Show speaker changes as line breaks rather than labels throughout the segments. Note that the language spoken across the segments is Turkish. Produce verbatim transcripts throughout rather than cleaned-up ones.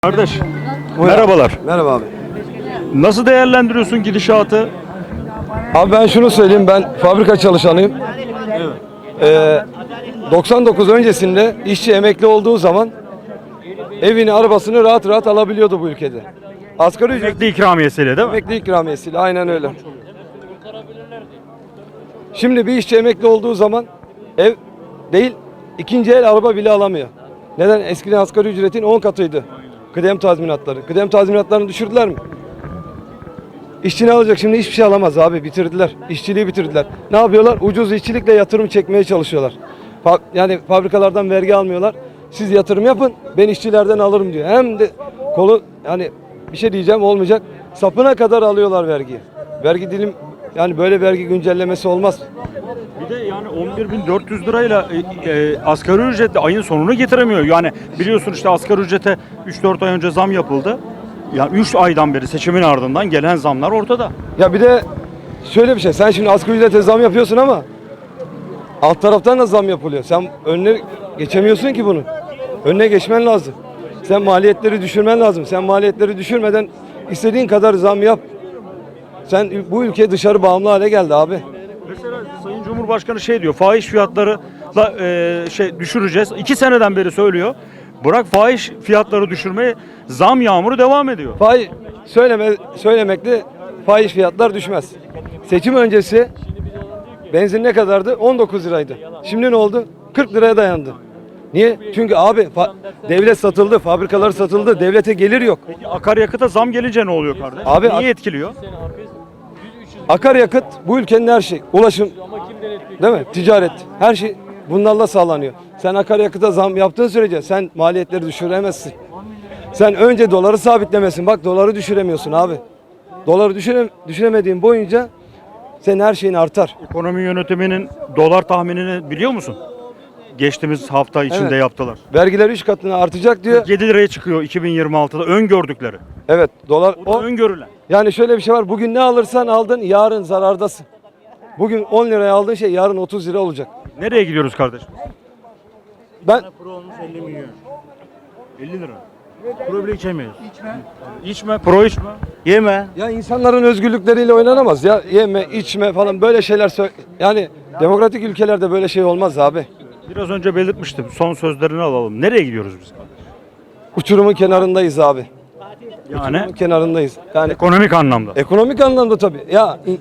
Kardeş, merhabalar.
Merhaba abi.
Nasıl değerlendiriyorsun gidişatı?
Abi ben şunu söyleyeyim, ben fabrika çalışanıyım. Ee, doksan dokuz öncesinde işçi emekli olduğu zaman evini, arabasını rahat rahat alabiliyordu bu ülkede. Asgari ücret
Emekli ikramiyesiyle değil mi?
emekli ikramiyesiyle, aynen öyle. Şimdi bir işçi emekli olduğu zaman ev değil, ikinci el araba bile alamıyor. Neden? Eskiden asgari ücretin on katıydı. Kıdem tazminatları. Kıdem tazminatlarını düşürdüler mi? İşçi ne alacak şimdi? Hiçbir şey alamaz abi. Bitirdiler. İşçiliği bitirdiler. Ne yapıyorlar? Ucuz işçilikle yatırım çekmeye çalışıyorlar. Fa- yani fabrikalardan vergi almıyorlar. Siz yatırım yapın, ben işçilerden alırım diyor. Hem de kolu, yani bir şey diyeceğim olmayacak. Sapına kadar alıyorlar vergiyi. Vergi dilim, yani böyle vergi güncellemesi olmaz.
Bir de yani on bir bin dört yüz lirayla e, e, asgari ücretle ayın sonunu getiremiyor. Yani biliyorsun işte asgari ücrete üç dört ay önce zam yapıldı. Yani üç aydan beri seçimin ardından gelen zamlar ortada.
Ya bir de şöyle bir şey. Sen şimdi asgari ücrete zam yapıyorsun ama alt taraftan da zam yapılıyor. Sen önüne geçemiyorsun ki bunun. Önüne geçmen lazım. Sen maliyetleri düşürmen lazım. Sen maliyetleri düşürmeden istediğin kadar zam yap. Sen bu ülke dışarı bağımlı hale geldi abi.
Mesela Sayın Cumhurbaşkanı şey diyor, fahiş fiyatlarıyla e, şey düşüreceğiz. İki seneden beri söylüyor. Bırak fahiş fiyatları düşürmeye, zam yağmuru devam ediyor.
Faiz söyleme söylemekle faiz fiyatlar düşmez. Seçim öncesi benzin ne kadardı? on dokuz liraydı. Şimdi ne oldu? kırk liraya dayandı. Niye? Çünkü abi fa- devlet satıldı, fabrikalar satıldı, devlete gelir yok.
Peki akaryakıta zam gelince ne oluyor kardeş?
Abi,
Niye
ak-
etkiliyor?
Akaryakıt bu ülkenin her şeyi. Ulaşım, değil mi? Ticaret, her şey bunlarla sağlanıyor. Sen akaryakıta zam yaptığın sürece sen maliyetleri düşüremezsin. Sen önce doları sabitlemesin. Bak doları düşüremiyorsun abi. Doları düşüre, düşüremediğin boyunca senin her şeyin artar.
Ekonomi yönetiminin dolar tahminini biliyor musun? Geçtiğimiz hafta içinde
Evet.
yaptılar.
Vergiler üç katına artacak diyor.
yedi liraya çıkıyor iki bin yirmi altıda öngördükleri.
Evet, dolar
O da
o.
öngörülen.
Yani şöyle bir şey var. Bugün ne alırsan aldın, yarın zarardasın. Bugün on liraya aldığın şey yarın otuz lira olacak.
Nereye gidiyoruz kardeşim?
Ben
Pro olmuş elli milyon.
elli lira.
Pro bile içemiyoruz.
İçme, pro içme.
Yeme.
ya insanların özgürlükleriyle oynanamaz ya. Yeme, içme falan böyle şeyler sö- yani demokratik ülkelerde böyle şey olmaz abi.
Biraz önce belirtmiştim. Son sözlerini alalım. Nereye gidiyoruz biz?
Uçurumun kenarındayız abi.
Yani
Uçurumun kenarındayız. Yani
ekonomik anlamda.
ekonomik anlamda tabii. Ya in-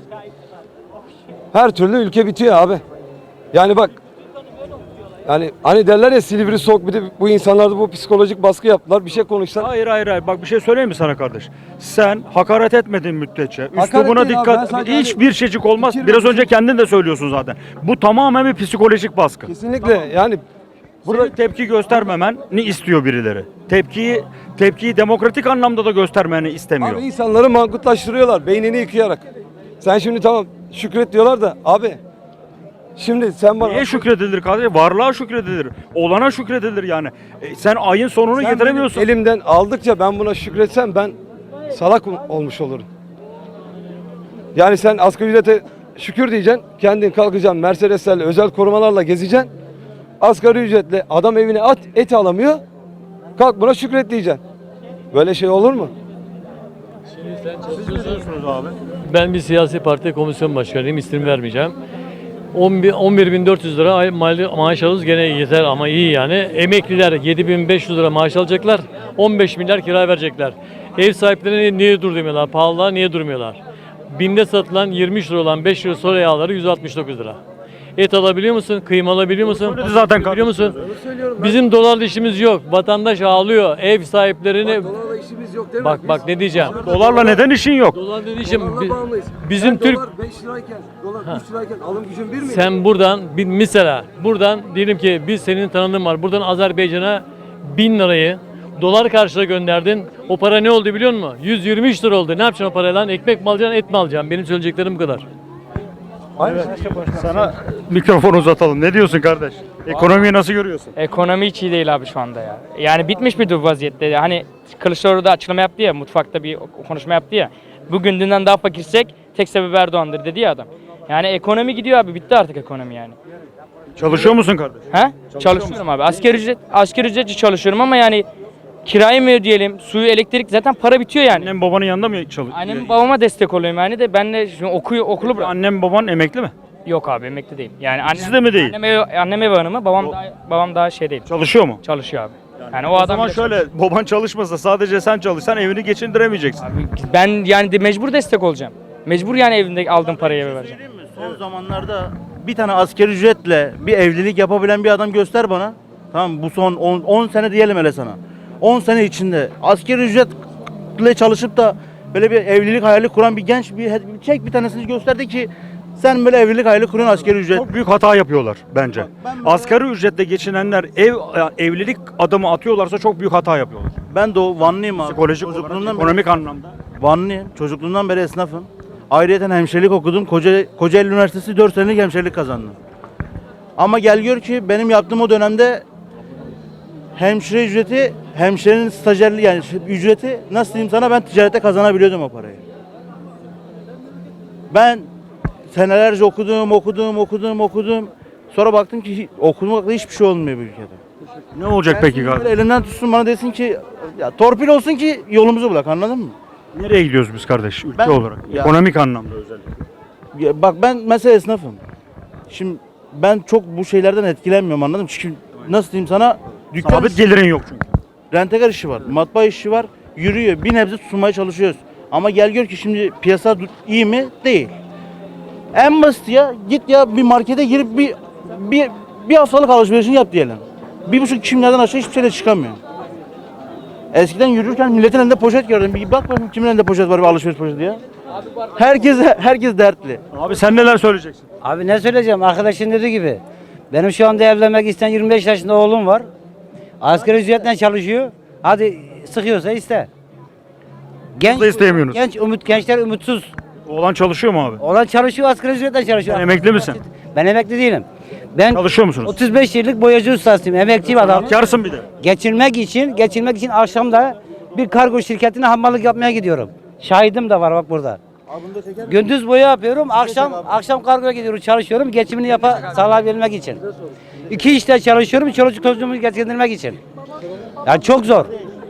her türlü ülke bitiyor abi. Yani bak, yani hani derler ya Silivri soğuk, bir de bu insanlarda bu psikolojik baskı yaptılar. Bir şey konuşsan.
Hayır hayır hayır. Bak bir şey söyleyeyim mi sana kardeş? Sen hakaret etmedin müddetçe. Üslubuna
değil abi, ben
dikkat.
sadece
Hiçbir
hani
şeycik olmaz.
fikir
Biraz
ve
önce kendin de söylüyorsun zaten. Bu tamamen bir psikolojik baskı.
Kesinlikle yani
Burada tepki göstermemeni istiyor birileri. Tepkiyi tepkiyi demokratik anlamda da göstermeni istemiyor.
abi insanları mangutlaştırıyorlar beynini yıkayarak. Sen şimdi tamam şükret diyorlar da abi. Şimdi sen bana
Niye şükredilir kardeşim? Varlığa şükredilir. Olana şükredilir yani. E, sen ayın sonunu
sen
getiremiyorsun.
benim elimden aldıkça ben buna şükretsem ben salak olmuş olurum. Yani sen asgari ücrete şükür diyeceksin. Kendin kalkacaksın Mercedeslerle, özel korumalarla gezeceksin. Asgari ücretle adam evine at et alamıyor. Kalk buna şükret diyeceksin. Böyle şey olur mu?
abi.
Ben bir siyasi parti komisyon başkanıyım, isim vermeyeceğim. on bir bin dört yüz lira ay mali maaş alırız gene yeter ama iyi yani. Emekliler yedi bin beş yüz lira maaş alacaklar, on beş milyar kira verecekler. Ev sahipleri niye durmuyorlar, pahalılığa niye durmuyorlar? Binde satılan yirmi üç lira olan beş lira soya yağları yüz altmış dokuz lira. Et alabiliyor musun? Kıyma alabiliyor musun?
söyledi zaten
Biliyor musun? Bizim dolarla işimiz yok. Vatandaş ağlıyor. Ev sahiplerini...
Dolarla işimiz yok değil mi?
Bak bak ne diyeceğim.
Dolarla neden işin yok?
Dolar dediğim
Dolarla
bi-
bağımlıyız.
bizim
Sen
Türk
dolar beş lirayken, dolar üç lirayken alım gücün bir miydi?
sen buradan bir mesela buradan diyelim ki biz senin tanıdığın var. Buradan Azerbaycan'a bin lirayı dolar karşılığı gönderdin. O para ne oldu biliyor musun? yüz yirmi üç lira oldu. Ne yapacaksın o parayla? Ekmek mi alacaksın, et mi alacaksın? Benim söyleyeceklerim bu kadar.
Sana mikrofonu uzatalım. Ne diyorsun kardeş? Ekonomiyi nasıl görüyorsun?
Ekonomi hiç iyi değil abi şu anda ya. Yani bitmiş bir vaziyette. Hani Kılıçdaroğlu da açıklama yaptı ya, mutfakta bir konuşma yaptı ya. Bugün dünden daha fakirsek tek sebebi Erdoğan'dır dedi ya adam. Yani ekonomi gidiyor abi, bitti artık ekonomi yani.
Çalışıyor musun kardeş?
He? Çalışıyorum abi. Asgari ücret, asgari ücretçi çalışıyorum ama yani kirayı mı ödeyelim, suyu, elektrik, zaten para bitiyor yani.
Annem babanın yanında mı çalışıyor?
Annem babama destek oluyorum yani de ben de şimdi okuyor, okulu bırak.
Annem baban emekli mi?
Yok abi emekli değil. Yani annem,
İkisi de mi değil?
Annem ev, annem ev hanımı, babam daha, babam daha şey değil.
Çalışıyor mu?
Çalışıyor abi. Yani o
O
adam
zaman
bile
şöyle baban çalışmasa sadece sen çalışsan evini geçindiremeyeceksin.
çalışıyor. Abi ben yani de mecbur destek olacağım. Mecbur yani evimde aldığım parayı eve vereceğim.
Söyleyeyim mi? Son zamanlarda bir tane asgari ücretle bir evlilik yapabilen bir adam göster bana. Tamam bu son on sene diyelim hele sana. on sene içinde asgari ücretle çalışıp da böyle bir evlilik hayali kuran bir genç bir çek bir tanesini gösterdi ki sen böyle evlilik hayali kuruyorsun asgari ücret.
Çok büyük hata yapıyorlar bence.
Ben mesela-
Asgari ücretle geçinenler ev evlilik adımı atıyorlarsa çok büyük hata yapıyorlar.
Ben de o Vanlıyım abi.
Psikolojik olarak,
Çocukluğumdan beri
ekonomik anlamda.
Vanlıyım. Çocukluğumdan beri esnafım. Ayrıyeten hemşirelik okudum. Koca, Kocaeli Üniversitesi dört senelik hemşirelik kazandım. Ama gel gör ki benim yaptığım o dönemde hemşire ücreti, hemşirenin stajyerliği yani ücreti nasıl diyeyim sana ben ticarette kazanabiliyordum o parayı. Ben senelerce okudum, okudum, okudum, okudum. Sonra baktım ki okumakla hiçbir şey olmuyor bu ülkede.
Ne olacak peki
Gelsin
kardeşim?
böyle elinden tutsun bana desin ki ya torpil olsun ki yolumuzu bulak anladın mı?
Nereye gidiyoruz biz kardeş ülke
Ben-
olarak?
Ya-
Ekonomik anlamda özellikle.
Ya bak ben mesela esnafım. Şimdi ben çok bu şeylerden etkilenmiyorum anladın mı? Çünkü nasıl diyeyim sana dükkan
Sabit gelirin yok çünkü.
rentekar işi var, matbaa işi var, yürüyor. Bir nebze tutunmaya çalışıyoruz. Ama gel gör ki şimdi piyasa du- iyi mi? Değil. En basit ya git ya bir markete girip bir bir bir haftalık alışverişini yap diyelim. Bir buçuk kimlerden aşağı hiçbir şeyle çıkamıyor. Eskiden yürürken milletin elinde poşet gördüm. Bir bak bakayım kimin elinde poşet var bir alışveriş poşeti ya. Herkes herkes dertli.
Abi sen neler söyleyeceksin?
Abi ne söyleyeceğim? Arkadaşın dediği gibi. Benim şu anda evlenmek isteyen yirmi beş yaşında oğlum var. Asgari ücretle çalışıyor. Hadi sıkıyorsa iste. Genç,
da isteyemiyorsunuz.
Genç, umut, gençler umutsuz.
Oğlan çalışıyor mu abi?
Olan çalışıyor, asgari ücretle çalışıyor.
Sen emekli misin?
Ben emekli değilim. Ben
Çalışıyor musunuz?
otuz beş yıllık boyacı ustasıyım. Emekliyim adam.
Karsın bir de.
Geçinmek için, geçinmek için akşamda bir kargo şirketine hammallık yapmaya gidiyorum. Şahidim de var bak burada. Gündüz boya yapıyorum, akşam akşam kargoya gidiyorum, çalışıyorum, geçimini yapa sağlayabilmek için. İki işte çalışıyorum, çoluk çocuğumu geçindirmek için. Yani çok zor.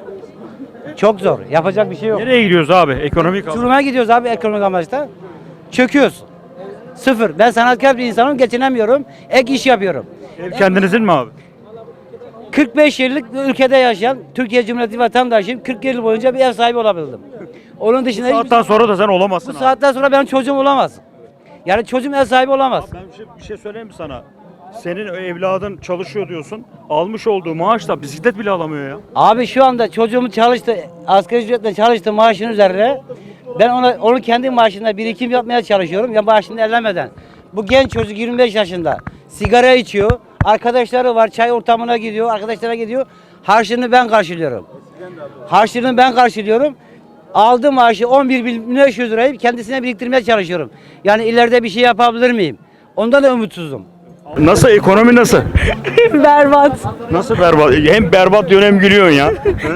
Çok zor. Yapacak bir şey yok.
Nereye gidiyoruz abi? Ekonomik anlamda.
Uçuruma gidiyoruz abi ekonomik amaçta. Çöküyoruz. Sıfır. Ben sanatkar bir insanım, geçinemiyorum. Ek iş yapıyorum.
Ev kendinizin mi abi?
kırk beş yıllık bir ülkede yaşayan Türkiye Cumhuriyeti vatandaşıyım. kırk yıl boyunca bir ev sahibi olabildim. Onun dışında hiçbir-
Saatten sonra da sen olamazsın
bu
abi.
saatten sonra benim çocuğum olamaz. Yani çocuğum ev sahibi olamaz.
Ben bir şey, bir şey söyleyeyim mi sana? Senin evladın çalışıyor diyorsun. Almış olduğu maaşla bisiklet bile alamıyor ya.
Abi şu anda çocuğum çalıştı, asgari ücretle çalıştı maaşın üzerine. Ben ona onu kendi maaşında birikim yapmaya çalışıyorum ya maaşını ellemeden. Bu genç çocuk yirmi beş yaşında sigara içiyor. Arkadaşları var, çay ortamına gidiyor, arkadaşlara gidiyor. Harçlığını ben karşılıyorum. Harçlığını ben karşılıyorum. Aldığım maaşı on bir bin beş yüz lirayı kendisine biriktirmeye çalışıyorum. Yani ileride bir şey yapabilir miyim? Ondan da umutsuzum.
Nasıl ekonomi nasıl?
Berbat.
Nasıl berbat? Hem berbat diyorsun hem gülüyorsun ya.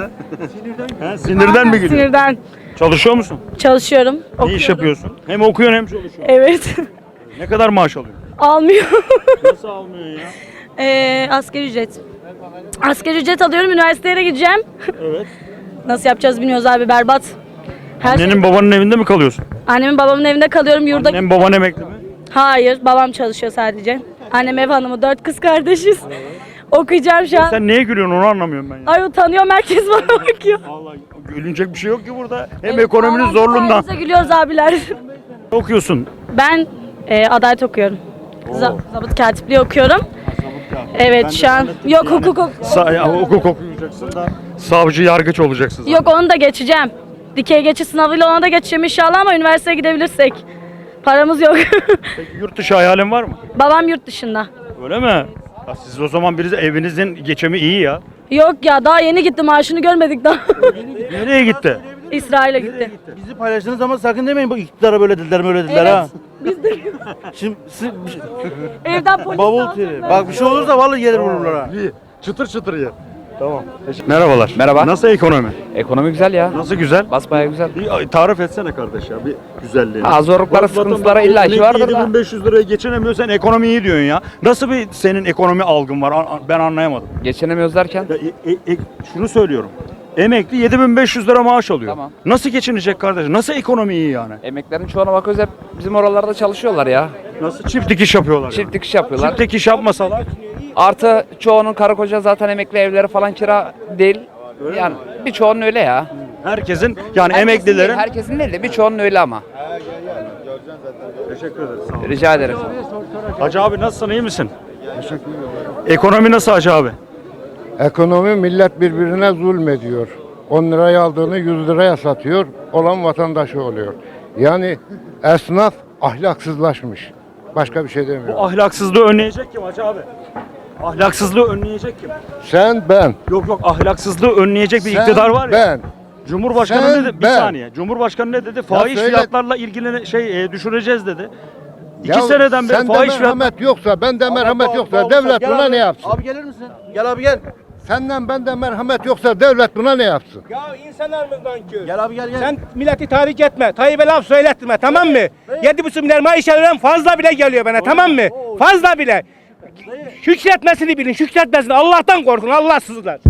He? He? Sinirden mi gülüyorsun?
Sinirden
Çalışıyor musun?
çalışıyorum.
Ne iş yapıyorsun? Hem okuyorsun hem çalışıyorsun.
Evet.
Ne kadar maaş alıyorsun?
Almıyor.
Nasıl almıyor ya?
ee, asgari ücret. Asgari ücret alıyorum. Üniversiteye gideceğim.
Evet.
Nasıl yapacağız bilmiyoruz abi. Berbat. Her şey-
Annenin babanın evinde mi kalıyorsun?
Annemin babamın evinde kalıyorum. Yurda.
Annem baban emekli mi?
Hayır. Babam çalışıyor sadece. Annem ev hanımı. Dört kız kardeşiz. Okuyacağım şu an.
Sen neye gülüyorsun onu anlamıyorum ben ya.
Ay utanıyorum. Herkes bana bakıyor.
Vallahi gülünecek bir şey yok ki burada. Hem
Evet,
ekonominin
Allah'ın
zorluğundan.
sayesinde gülüyoruz abiler.
Ne okuyorsun?
Ben e, adalet okuyorum. Za- Zabıt katipliği okuyorum. Evet şu an. Yok hukuk ok-
Sa ya, hukuk okuyacaksın da savcı yargıç olacaksın. zaten.
Yok onu da geçeceğim. Dikey geçiş sınavıyla ona da geçeceğim inşallah ama üniversiteye gidebilirsek. Paramız yok.
Peki yurt dışı hayalin var mı?
Babam yurt dışında.
Öyle mi? Ya siz o zaman birisi evinizin geçimi iyi ya.
Yok ya daha yeni gitti maaşını görmedik daha.
Nereye gitti?
İsrail'e gitti.
Bizi paylaştığınız zaman sakın demeyin bu iktidara böyle dediler böyle dediler
Evet.
ha.
Biz de
Şimdi siz,
evden polis
bavul
alsın
tiri.
böyle.
Bak bir şey olursa vallahi gelir vururlar ha.
İyi. Çıtır çıtır ye. Tamam. Merhabalar.
Merhaba.
Nasıl ekonomi?
Ekonomi güzel ya.
Nasıl güzel?
Basbayağı güzel.
Bir tarif etsene kardeş ya bir güzelliğini.
Ha, zorluklara,
Bak,
sıkıntılara
vatandaş
illa ki vardır da.
yedi bin beş yüz liraya geçinemiyorsan ekonomi iyi diyorsun ya. Nasıl bir senin ekonomi algın var? An- Ben anlayamadım.
Geçinemiyoruz derken
Ya, e- e- e- şunu söylüyorum. Emekli yedi bin beş yüz lira maaş alıyor.
Tamam.
Nasıl geçinecek kardeşim? Nasıl ekonomi iyi yani?
Emeklerin çoğuna bakıyoruz hep bizim oralarda çalışıyorlar ya.
Nasıl çift dikiş yapıyorlar?
Çift
yani?
dikiş yapıyorlar.
Çift dikiş yapmasalar
Artı çoğunun karı koca zaten emekli, evleri falan kira değil. Yani birçoğunun öyle ya.
herkesin yani
Herkesin
emeklilerin
değil, herkesin değil de birçoğunun öyle ama.
Teşekkür ederiz. Sağ olun.
Rica ederim.
Hacı abi nasılsın? İyi misin? Ekonomi nasıl Hacı abi?
Ekonomi millet birbirine zulmediyor. on liraya aldığını yüz liraya satıyor. Olan vatandaşı oluyor. Yani esnaf ahlaksızlaşmış. Başka bir şey
Bu
demiyorum.
ahlaksızlığı önleyecek kim Hacı abi? Ahlaksızlığı önleyecek kim?
Sen ben.
Yok yok ahlaksızlığı önleyecek bir
Sen,
iktidar var ya.
ben.
Cumhurbaşkanı
Sen,
ne dedi? Bir
ben.
saniye. Cumhurbaşkanı ne dedi? Fahiş
söyle-
fiyatlarla ilgili şey e, düşüreceğiz dedi. İki
Ya
seneden beri
sende
fahiş fiyatlar.
merhamet yoksa, bende merhamet yoksa devlet
Gel
buna
abi.
ne yapsın?
Abi gelir misin? Gel abi gel.
Senden bende merhamet yoksa devlet buna ne yapsın?
Ya insanlarımızdan kör.
Gel abi gel gel.
Sen milleti tahrik etme. Tayyip'e laf söyletme, tamam mı? Yedi buçuk milyar maaş alıyorum, fazla bile geliyor bana, tamam mı? Fazla bile. Şükretmesini bilin, şükretmesini. Allah'tan korkun, Allahsızlar.